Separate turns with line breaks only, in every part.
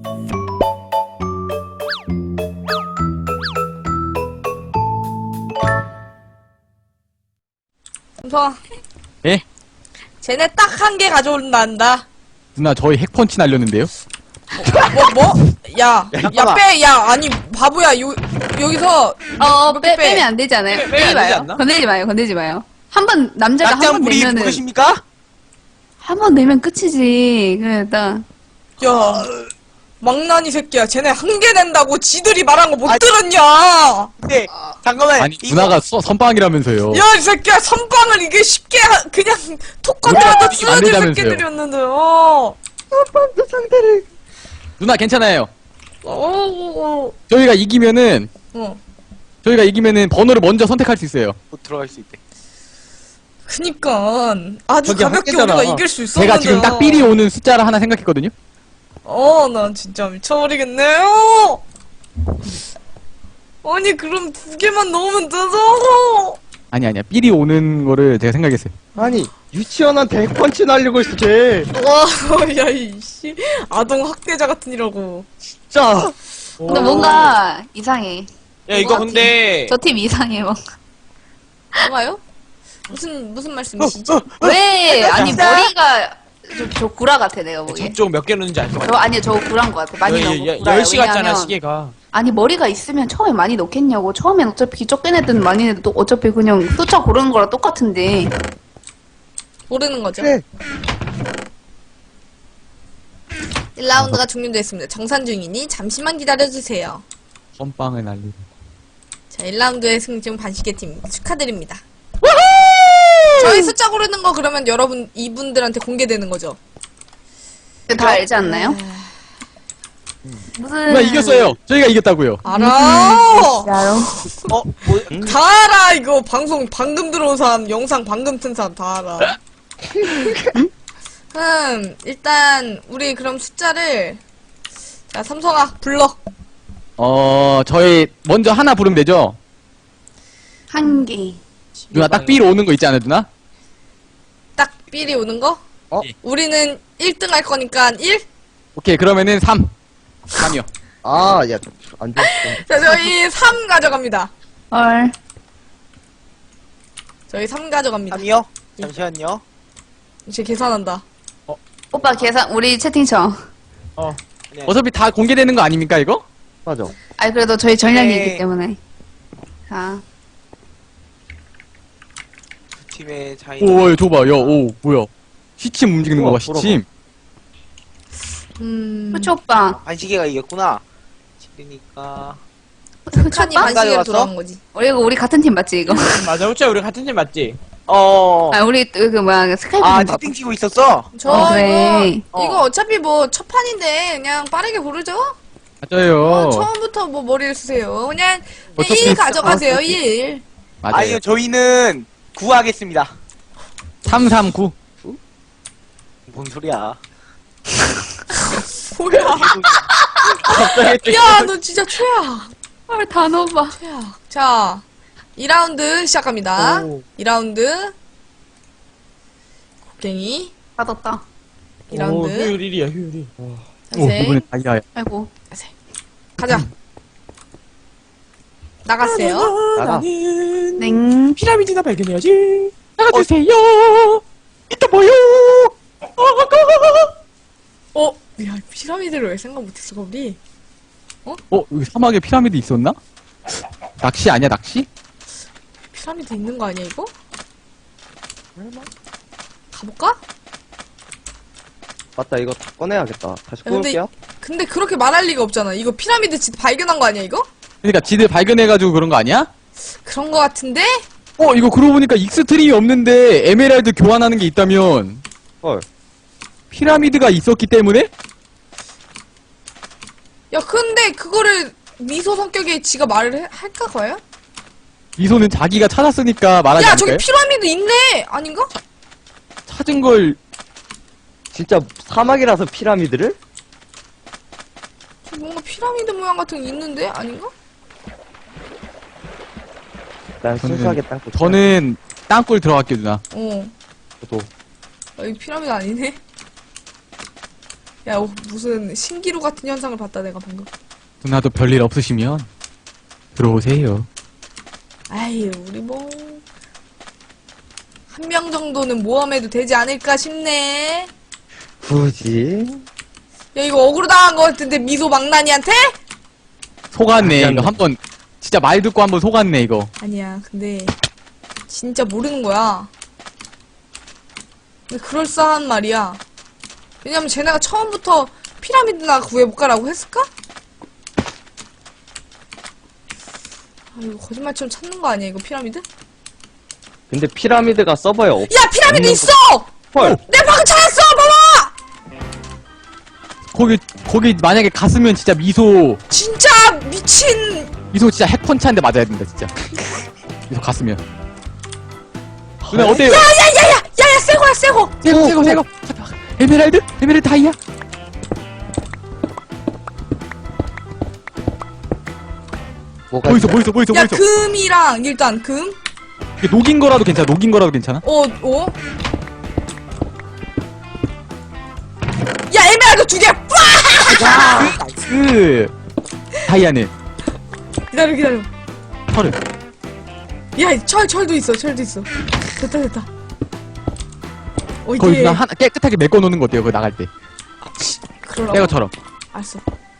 삼성아.
예?
쟤네 딱 한 개 가져온단다.
누나 저희 핵펀치 날렸는데요?
뭐? 야,
잠깐만.
빼, 야, 아니, 바보야, 여기서. 이렇게
빼면 안 되지 않아요?
빼면
빼지
안 되지
마요.
않나?
건들지 마요. 한 번, 남자가 한 번
낙장불이
내면은,
모르십니까?
한 번 내면 끝이지. 그러니까.
야, 망나니 새끼야. 쟤네 한 개 낸다고 지들이 말한 거 못 들었냐?
네, 잠깐만.
아니
이거
누나가 선빵이라면서요.
야, 이 새끼야, 선빵을 이게 쉽게, 그냥, 톡 건드려도
안
쓰러질
된다면서요.
새끼들이었는데요.
누나 괜찮아요.
어.
저희가 이기면은 번호를 먼저 선택할 수 있어요.
못 들어갈 수 있대.
그니까, 아주
저기
가볍게
학교잖아.
우리가 이길 수 있었는데요.
제가 지금 딱 삘이 오는 숫자를 하나 생각했거든요.
난 진짜 미쳐버리겠네요. 아니, 그럼 두 개만 넣으면 되죠.
아니야 삘이 오는 거를 제가 생각했어요.
아니 유치원한테 핵펀치 날리고 있어 쟤.
와, 야, 이씨. 아동 학대자 같은 이라고.
자.
근데 뭔가 이상해.
야, 이거 근데.
저 팀 이상해, 뭔가.
뭐가요? 무슨 말씀이시지?
왜? 아니, 머리가, 저 구라 같아, 내가 보기에.
저쪽 몇 개 넣는지 알 것 같아.
아니요, 저 구라인 것 같아. 많이 넣고 구라요.
10시 같잖아,
왜냐면
시계가.
아니, 머리가 있으면 처음에 많이 넣겠냐고. 처음엔 어차피 적게 내든 많이 내도 어차피 그냥 쫓아 고르는 거랑 똑같은데.
모르는 거죠.
그래.
1라운드가 종료됐습니다. 정산 중이니 잠시만 기다려주세요.
선빵을 날리고.
자, 1라운드의 승중 반시계팀 축하드립니다. 저희 숫자 고르는 거 그러면 여러분 이분들한테 공개되는 거죠?
다 알지 않나요? 무슨.
누나 이겼어요. 저희가 이겼다고요.
알아!
알아요?
뭐,
다 알아! 이거 방송 방금 들어온 사람, 영상 방금 튼 사람 다 알아. 일단 우리 그럼 숫자를 자, 삼성아 불러.
저희 먼저 하나 부르면 되죠?
한 개.
누나 딱 삘 오는 거 있지 않아요 누나?
딱 삘이 오는 거?
예.
우리는 1등 할 거니까 1?
오케이 그러면은 3이요.
아, 야, 안 돼.
자, 저희 3 가져갑니다.
헐.
저희 3 가져갑니다.
3이요? 잠시만요.
이제 계산한다.
오빠 계산, 우리 채팅창.
네.
어차피 다 공개되는 거 아닙니까 이거?
맞아.
아니, 그래도 저희 전략이
네.
있기 때문에. 자.
두 팀의 차이.
오, 야, 줘봐. 야, 오, 뭐야. 시침 움직이는 거 봐,
돌아봐.
시침.
후추 오빠.
반시계가 이겼구나. 그러니까.
후추
칸이
오빠?
반시계로
가져갔어?
돌아온 거지.
우리 같은 팀 맞지, 이거?
맞아, 우짜 우리 같은 팀 맞지?
아, 우리, 스카이프
아,
좀 봐봐.
채팅 치고 있었어?
저
그래.
이거 어차피 뭐 첫 판인데 그냥 빠르게 고르죠?
맞아요.
처음부터 뭐 머리를 쓰세요. 그냥
어차피
1 가져가세요,
어차피-
1.
맞아요.
아니요, 저희는 9 하겠습니다.
339.
뭔 소리야.
뭐야.
갑자기
야, 너 진짜 최악.
헐, 단어 봐.
최악. 자, 2라운드 시작합니다.
오.
2라운드. 곡괭이.
받았다.
2라운드.
효율이야, 효율이.
오,
자세.
이번에 다이아야.
아이고.
가자. 나갔어요.
나가.
냉.
피라미드나 발견해야지.
나가주세요. 이따 뭐요?
야, 피라미드를 왜 생각 못했어, 우리?
여기 사막에 피라미드 있었나? 낚시 아니야, 낚시?
피라미드 있는 거 아니야, 이거? 가볼까?
맞다, 이거 다 꺼내야겠다. 다시
야, 근데
꺼올게요.
근데 그렇게 말할 리가 없잖아. 이거 피라미드 진짜 발견한 거 아니야, 이거?
그러니까 지들 발견해가지고 그런 거 아니야?
그런 거 같은데?
이거 그러고 보니까 익스트림이 없는데 에메랄드 교환하는 게 있다면
헐.
피라미드가 있었기 때문에?
야, 근데 그거를 미소 성격에 지가 말을 할까, 과연?
미소는 자기가 찾았으니까 말하지
야,
않을까요?
저기 피라미드 있네! 아닌가?
찾은 걸
진짜 사막이라서 피라미드를?
저 뭔가 피라미드 모양 같은 게 있는데? 아닌가?
난
저는-
순수하게 땅굴.
저는 땅굴 들어갈게요 누나.
저도.
이 피라미드 아니네? 야, 무슨 신기루 같은 현상을 봤다, 내가 방금.
누나도 별일 없으시면 들어오세요.
아이, 우리 뭐. 한 명 정도는 모험해도 되지 않을까 싶네.
굳이?
야, 이거 억울로 당한 거 같은데, 미소 망나니한테?
속았네.
아니야,
이거 한번 진짜 말 듣고 한번 속았네 이거.
아니야, 근데. 진짜 모르는 거야. 근데 그럴싸한 말이야. 왜냐면 쟤네가 처음부터 피라미드나 구해볼까라고 했을까? 아, 이거 거짓말처럼 찾는 거 아니야, 이거 피라미드?
근데 피라미드가 서버에 없.
야, 피라미드
없는
있어!
헐.
내 방금 찾았어! 봐봐!
거기 만약에 갔으면 진짜 미소
진짜 미친!
진짜 핵펀치 한 대 맞아야 된다 진짜. 미소 갔으면. 누나 어때요?
야야야야! 새거야, 새거!
새거. 에메랄드 다이아.
뭐가
뭐 있어?
야, 금이랑, 일단, 금?
이게 녹인 거라도 괜찮아?
어? 야, 에메랄드 2개!
그 다이아는
기다려.
털을.
야, 철도 있어. 됐다.
거기
이게.
그냥 하나 깨끗하게 메꿔 놓는 거 어때요? 그거 나갈 때.
그러라고?
새거처럼.
알았어.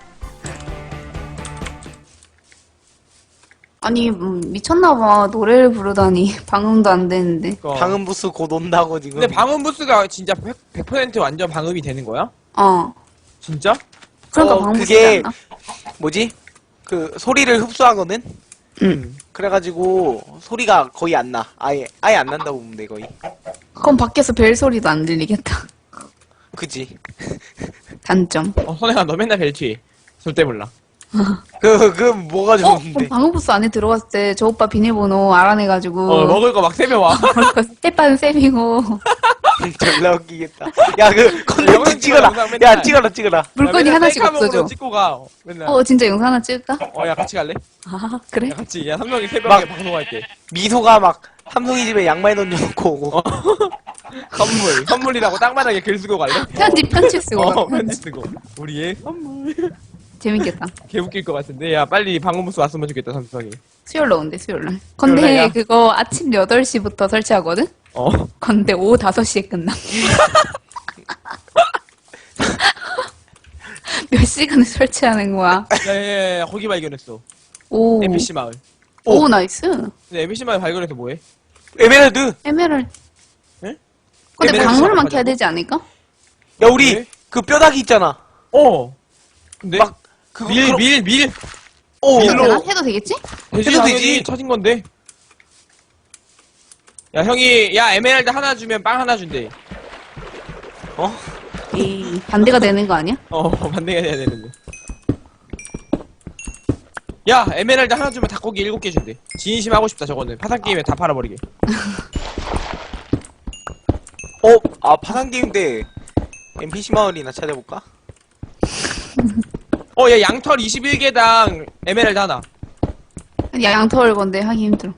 아니 미쳤나봐. 노래를 부르다니 방음도 안 되는데.
방음 부스 곧 온다고 지금.
근데 방음 부스가 진짜 100% 완전 방음이 되는 거야?
어.
진짜?
그러니까 방음
그게
부르지 않나?
뭐지? 그 소리를 흡수하거든. 그래가지고 소리가 거의 안 나. 아예 안 난다고 보면 돼 거의.
그럼 밖에서 벨 소리도 안 들리겠다.
그지?
단점.
선혜가 너 맨날 벨트해. 절대 몰라.
그 뭐가 좋은데?
그럼 방음부스 안에 들어갔을 때 저 오빠 비밀번호 알아내가지고
먹을 거 막 세면 와.
스테판 쌤이고
졸라 웃기겠다. 야 그 컨텐츠
영상
찍어라.
영상 맨날.
야 찍어라.
물건이 하나씩 없어져.
찍고 가. 맨날.
진짜 영상 하나 찍을까?
야 같이 갈래?
아 그래?
야 같이. 야 3명이 새벽에
막-
방송할게.
미소가 막 삼성이 집에 양말 던져놓고 오고.
선물이라고 땅바닥에 글 쓰고 갈래?
편집 쓰고
편지 쓰고. 우리의 선물.
재밌겠다.
개 웃길 것 같은데. 야 빨리 방음 부스 왔으면 좋겠다 삼성이.
수요일로 온대 수요일날.
수요일날이야?
근데 그거 아침 8시부터 설치하거든? 근데 오후 5시에 끝나. 몇 시간을 설치하는 거야?
야야야 거기 발견했어.
오.
NPC 마을.
오 나이스.
근데 NPC 마을 발견해서 뭐해?
에메랄드.
에메랄드.
에?
근데
에메랄드
방울만
가져가자고?
캐야 되지 않을까?
야 우리
네?
그 뼈다귀 있잖아.
근데
막 그거
밀.
오.
해도
밀로.
되나? 해도 되겠지?
되지
해도
당연히
되지.
찾은 건데. 야 형이 야 에메랄드 하나 주면 빵 하나 준대.
에이 반대가 되는 거 아니야?
반대가 돼야 되는데. 야 에메랄드 하나 주면 닭고기 7개 준대. 진심 하고 싶다 저거는. 파산 게임에 다 팔아버리게.
파산 게임 때 NPC 마을이나 찾아볼까?
야 양털 21개당 에메랄드 하나.
양털 건데 하기 힘들어.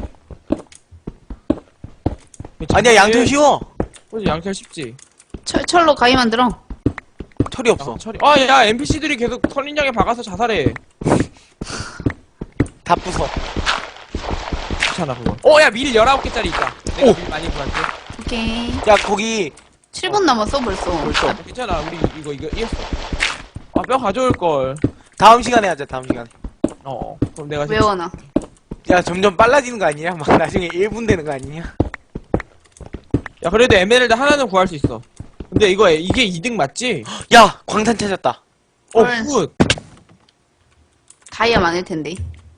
아니야 양털 쉬워.
양털 쉽지.
철로 가위 만들어.
철이 없어.
철이. 야 NPC들이 계속 털린장에 박아서 자살해.
다 부숴.
귀찮아 그거. 야 밀 19개짜리 있다. 내가 밀 많이 구할게.
오케이.
야 거기
7분 남았어 벌써.
벌써.
괜찮아 우리 이거 이겼어. 뼈 가져올 걸.
다음 시간에 하자. 다음 시간에.
그럼 내가
외워놔.
야 점점 빨라지는 거 아니냐? 막 나중에 1분 되는 거 아니냐?
야 그래도 에메랄드 하나는 구할 수 있어. 근데 이게 2등 맞지?
야 광탄 찾았다.
헐.
굿.
다이아 많을 텐데.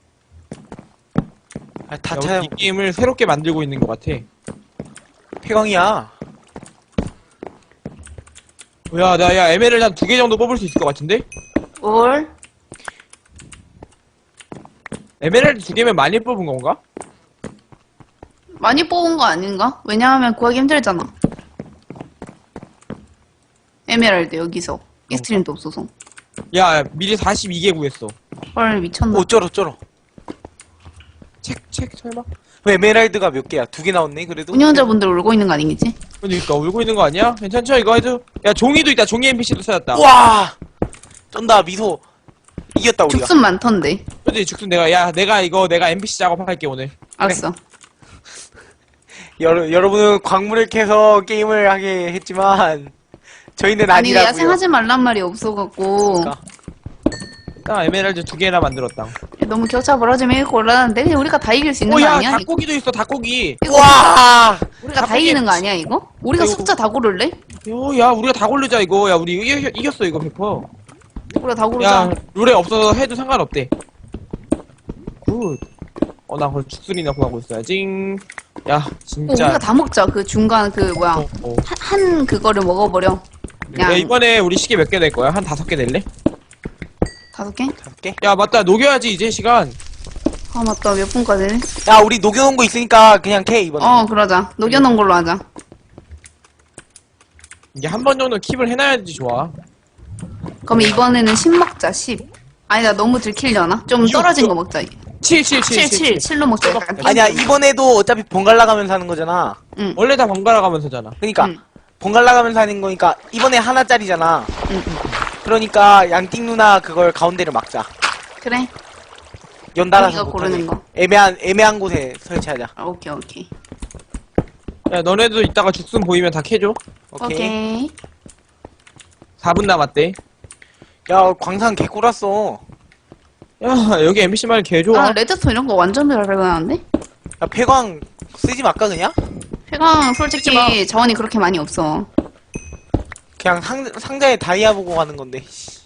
다
야,
찾아.
우리 이 게임을 새롭게 만들고 있는 것 같아.
폐광이야.
야 에메랄드 한 2개 정도 뽑을 수 있을 것 같은데?
뭘?
에메랄드 2개면 많이 뽑은 건가?
많이 뽑은 거 아닌가? 왜냐하면 구하기 힘들잖아. 에메랄드 여기서 익스트림도 없어서.
야 미리 42개 구했어.
헐 미쳤나?
어쩌러.
책 설마?
왜 에메랄드가 몇 개야? 2개 나왔네 그래도?
운영자분들 울고 있는 거 아니겠지?
그러니까 울고 있는 거 아니야? 괜찮죠? 이거 해도. 야 종이도 있다. 종이 NPC도 찾았다.
와 쩐다 미소 이겼다 우리가.
죽순 많던데.
그치 죽순 내가 NPC 작업할게 오늘.
알았어.
여러분은 광물을 캐서 게임을 하게 했지만 저희는
아니
아니라고요.
야생 하지 말란 말이 없어갖고
그러니까.
딱 에메랄드 2개나 만들었다.
너무 격차 벌어지면 이거 곤란한데 그냥 우리가 다 이길 수 있는 거
오야
아니야? 이거?
닭고기도 있어 닭고기.
와
우리가 다
닭고기
이기는 거 아니야 이거? 우리가
이거-
숫자 다 고를래?
야 우리가 다 고르자 이거. 야 우리 이겼어 이거 100%.
우리가 다 고르자.
야 룰에 없어서 해도 상관없대. 굿. 나 그걸 죽순이나 구하고 있어야지. 야 진짜.
우리가 다 먹자. 그 중간 그 뭐야
어.
한 그거를 먹어버려.
야
그냥
이번에 우리 시계 몇 개 낼 거야? 한 5개 낼래?
5개?
5개?
야 맞다 녹여야지 이제 시간.
아 맞다 몇 분까지?
야 우리 녹여놓은 거 있으니까 그냥 캐 이번에.
그러자. 녹여놓은 걸로 하자.
이게 한 번 정도 킵을 해놔야지 좋아.
그럼 이번에는 10 먹자 10. 아니다 너무 들키려나? 좀 떨어진 거 먹자.
7
7로 먹자. 약간
아니야 이번에도 어차피 번갈아 가면서 하는 거잖아.
원래 다 번갈아 가면서잖아.
그러니까
응.
번갈아 가면서 하는 거니까 이번에 하나짜리잖아.
응.
그러니까 양띵 누나 그걸 가운데를 막자.
그래.
연달아서
우리가
못하게.
고르는 거.
애매한 곳에 설치하자.
오케이.
야 너네도 이따가 죽순 보이면 다 캐줘.
오케이.
4분 남았대.
야 광산 개꿀았어.
야 여기 NPC 말 개 좋아.
아 레드스톤 이런 거 완전 별로였는데?
야 폐광 쓰지 말까 그냥?
폐광
쓰지
솔직히 자원이 그렇게 많이 없어.
그냥 상자에 다이아 보고 가는 건데.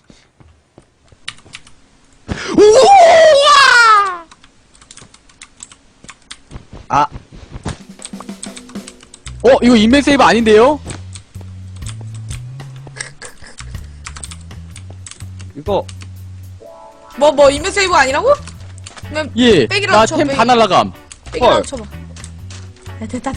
아. 이거 인벤 세이브 아닌데요?
이거
뭐 인벤 세이브 아니라고? 그러면
예.
백이라도
나
쳐,
템
백.
다 날라감.
빼기라도
헐.
쳐봐. 야, 됐다.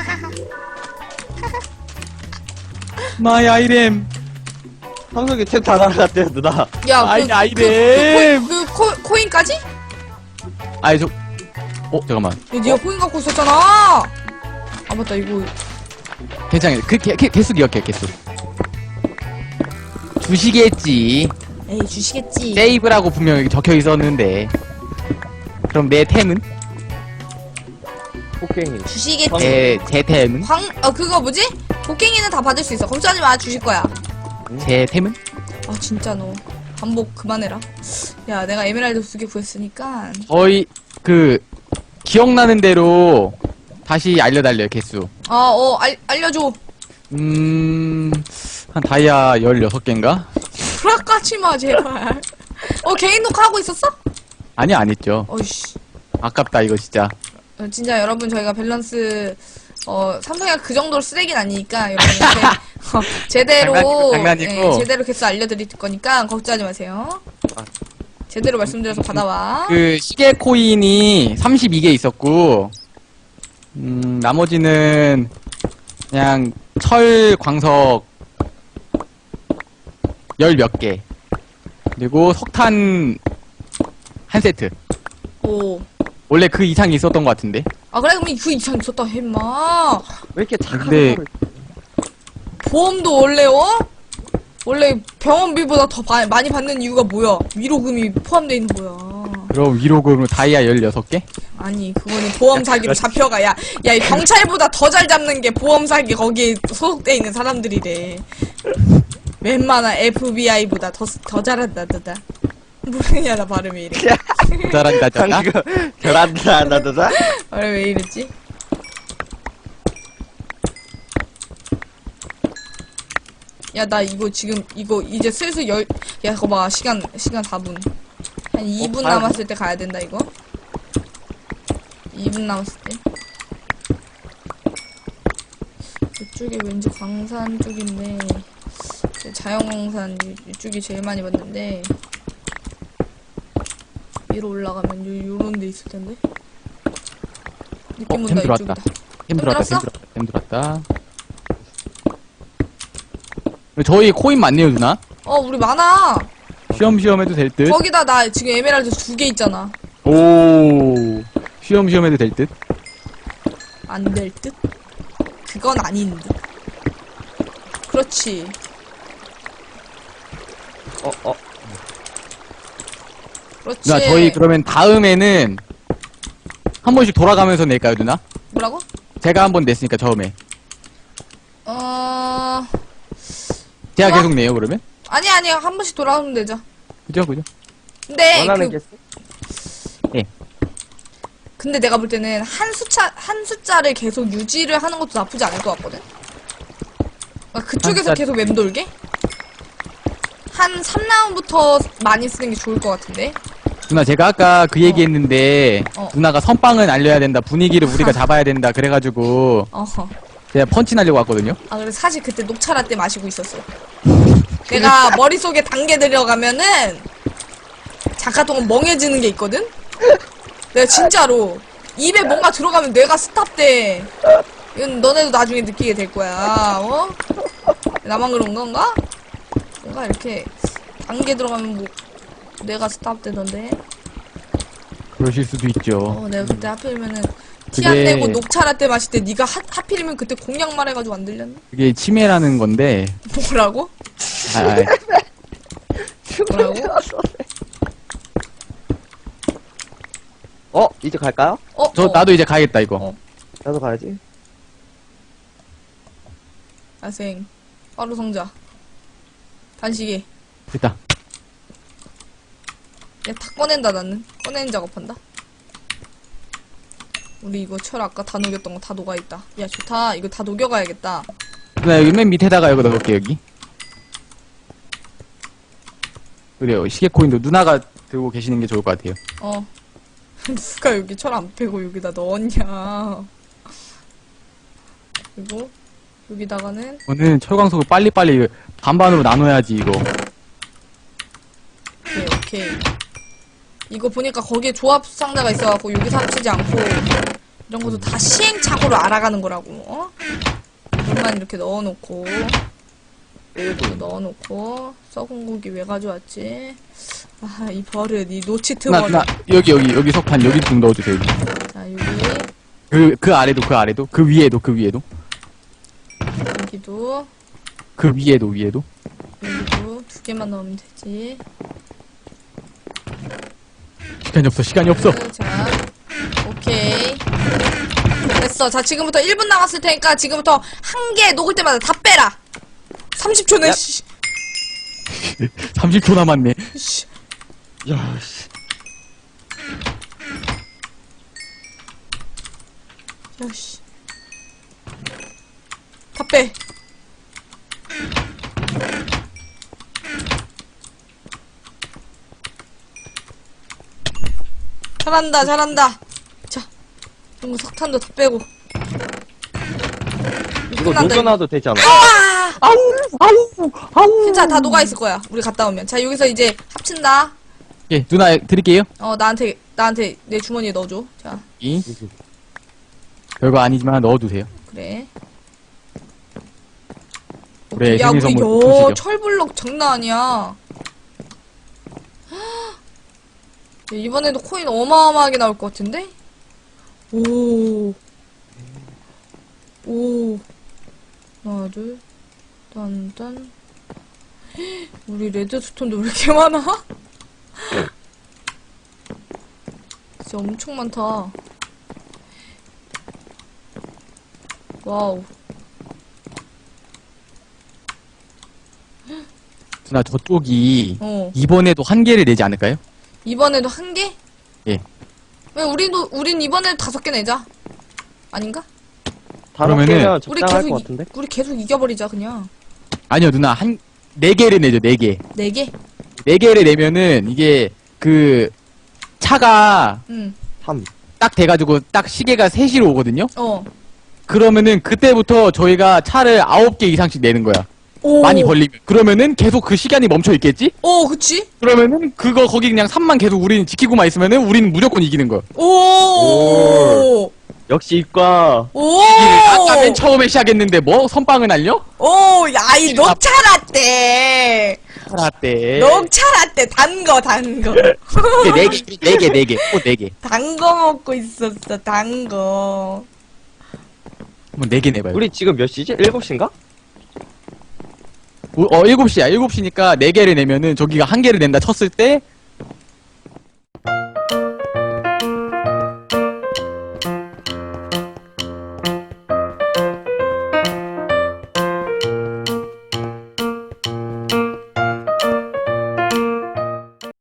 마이 아이템.
상석이 템다 날라갔대요 누나.
야,
아이템.
코인까지? 야,
아이 잠깐만.
네가 코인 갖고 있었잖아. 아 맞다 이거.
괜찮아. 개수 기억해 개수. 주시겠지.
에이 주시겠지.
세이브라고 분명히 적혀 있었는데. 그럼 내 템은?
폭갱이.
주시겠지.
제 템은?
그거 뭐지? 곡괭이는 다 받을 수 있어. 걱정하지 마. 주실 거야.
제 템은?
아 진짜 너 반복 그만해라. 야 내가 에메랄드 2개 구했으니까.
거의 기억나는 대로 다시 알려달래요 개수.
알려줘.
한 다이아 16개인가?
불화까지 마 제발. 개인 녹화하고 있었어?
아니 안 했죠.
어이씨.
아깝다 이거 진짜.
진짜 여러분 저희가 밸런스 삼성이가 그 정도로 쓰레기는 아니니까 여러분한테 제대로
장난이고.
제대로 개수 알려드릴 거니까 걱정하지 마세요. 제대로 말씀드려서 받아와.
시계 코인이 32개 있었고, 나머지는 그냥 철 광석 10몇 개. 그리고 석탄 한 세트.
오.
원래 그 이상이 있었던 것 같은데.
아 그래 그럼 그 이상 있었다 했마.
왜 이렇게 착한
근데-
거를.
보험도 원래 병원비보다 더 많이 받는 이유가 뭐야? 위로금이 포함되어 있는 거야.
그럼 위로금으로 다이아 16개?
아니 그거는 보험 사기로 잡혀가. 야 이 경찰보다 더 잘 잡는 게 보험 사기 거기에 소속돼 있는 사람들이래. 웬만한 FBI보다 더 잘한다 너다. 모르냐 나 발음이 이래.
잘한다 잖아.
결한다 나도다.
발음 왜 이랬지? 야 나 이거 지금 이거 이제 슬슬 야 그거 봐 시간 4분 한 2분 남았을 때 가야 된다 이거. 2분 남았을 때 이쪽에 왠지 광산 쪽인데 자연광산 이쪽이 제일 많이 봤는데 위로 올라가면 요런 데 있을 텐데 느낌 온다.
템 들어왔다.
이쪽이다.
템 들어왔다.
들어왔어?
템 들어왔다. 저희 코인 많네요 누나.
우리 많아.
쉬엄쉬엄 해도 될 듯.
거기다 나 지금 에메랄드 2개 있잖아.
오. 쉬엄쉬엄 해도 될 듯.
안 될 듯? 그건 아닌 듯. 그렇지. 그렇지.
누나 저희 그러면 다음에는 한 번씩 돌아가면서 낼까요 누나?
뭐라고?
제가 한 번 냈으니까 처음에 제가
좋아.
계속 내요 그러면?
아니 한 번씩 돌아오면 되죠.
그죠 그죠?
근데
원하는
그
게
근데 내가 볼 때는 한 숫자를 계속 유지를 하는 것도 나쁘지 않을 것 같거든. 그러니까 그쪽에서
숫자-
계속 맴돌게. 한 3라운드부터 많이 쓰는 게 좋을 것 같은데.
누나 제가 아까 그 얘기했는데
어.
누나가 선빵을 알려야 된다 분위기를 우리가 잡아야 된다 그래가지고
어허.
제가 펀치 날려고 왔거든요.
아 그래 사실 그때 녹차 라떼 마시고 있었어. 내가 머릿속에 단계 들어가면은 잠깐 동안 멍해지는 게 있거든. 내가 진짜로 입에 뭔가 들어가면 뇌가 스탑돼. 이건 너네도 나중에 느끼게 될 거야. 어? 나만 그런 건가? 뭔가 이렇게 단계 들어가면 뭐 뇌가 스탑되던데.
그러실 수도 있죠.
내가 그때 하필이면은 티 안
그게-
내고 녹차 라떼 마실 때 네가 하필이면 그때 공약 말해가지고 안 들렸나?
그게 치매라는 건데
뭐라고?
아, 아,
뭐라고?
이제 갈까요?
나도 이제 가야겠다 이거.
어.
나도 가야지.
야생 빠루 성자 단식이
됐다.
야 다 꺼낸다. 나는 꺼내는 작업한다. 우리 이거 철 아까 다 녹였던 거 다 녹아있다. 야 좋다. 이거 다 녹여가야겠다.
누나 여기 맨 밑에다가 여기 넣을게 여기. 그래요. 시계코인도 누나가 들고 계시는 게 좋을 것 같아요.
누가 여기 철 안 빼고 여기다 넣었냐. 그리고 여기다가는
오늘 철광석을 빨리빨리 반반으로 나눠야지 이거.
오케이. 이거 보니까 거기에 조합 상자가 있어갖고 여기서 합치지 않고 이런 것도 다 시행착오로 알아가는 거라고. 어? 물만 이렇게 넣어놓고 이거 넣어놓고 썩은 고기 왜 가져왔지? 아 이 버릇 이 노치트
누나
버릇.
누나 여기 석판 여기 좀 넣어주세요. 여기.
자 여기
그 아래도 그 위에도
여기도
그 위에도
여기도 2개만 넣으면 되지.
시간이 없어.
자 오케이 됐어. 자 지금부터 1분 남았을 테니까 지금부터 한 개 녹을 때마다 다 빼라. 30초네. 씨.
30초 남았네.
씨.
야, 씨.
야씨. 다 빼. 잘한다. 자, 이거 석탄도 다 빼고.
이거
끝난다,
녹여놔도 되지 않아?
괜찮아, 다 녹아있을 거야. 우리 갔다 오면. 자, 여기서 이제 합친다.
예, 누나 드릴게요.
나한테 내 주머니에 넣어줘. 자,
이 별거 아니지만 넣어두세요.
그래.
그래,
야,
생일
우리
선물 주시죠.
철블럭 장난 아니야. 야, 이번에도 코인 어마어마하게 나올 것 같은데? 오. 하나, 둘, 딴. 우리 레드스톤도 왜 이렇게 많아? 진짜 엄청 많다. 와우.
누나 저쪽이
어.
이번에도 한 개를 내지 않을까요?
이번에도 한 개?
예.
왜 우린 이번에도 5개 내자. 아닌가?
다섯
그러면은-
개면
우리
적당할
계속
것 같은데?
우리 계속 이겨버리자 그냥.
아니요 누나 네 개를 내죠. 4개.
4개?
4개를 내면은 이게 그 차가
응.
3.
딱 돼가지고 딱 시계가 3시로 오거든요.
어.
그러면은 그때부터 저희가 차를 9개 이상씩 내는 거야.
오.
많이 걸리면. 그러면은 계속 그 시간이 멈춰 있겠지?
그치?
그러면은 거기 그냥 3만 계속 우리는 지키고만 있으면은 우리는 무조건 이기는 거야.
오.
역시 이과.
오.
아까 맨 처음에 시작했는데 뭐 선빵을 날려?
야, 이 녹차 라떼.
알았대.
녹차 라떼 단 거.
이게 4개. 또 4개.
단 거 먹고 있었어. 단 거.
한번 4개 내봐요.
우리 지금 몇 시지? 7시인가?
7시야. 7시니까 4개를 내면은 저기가 1개를 낸다 쳤을 때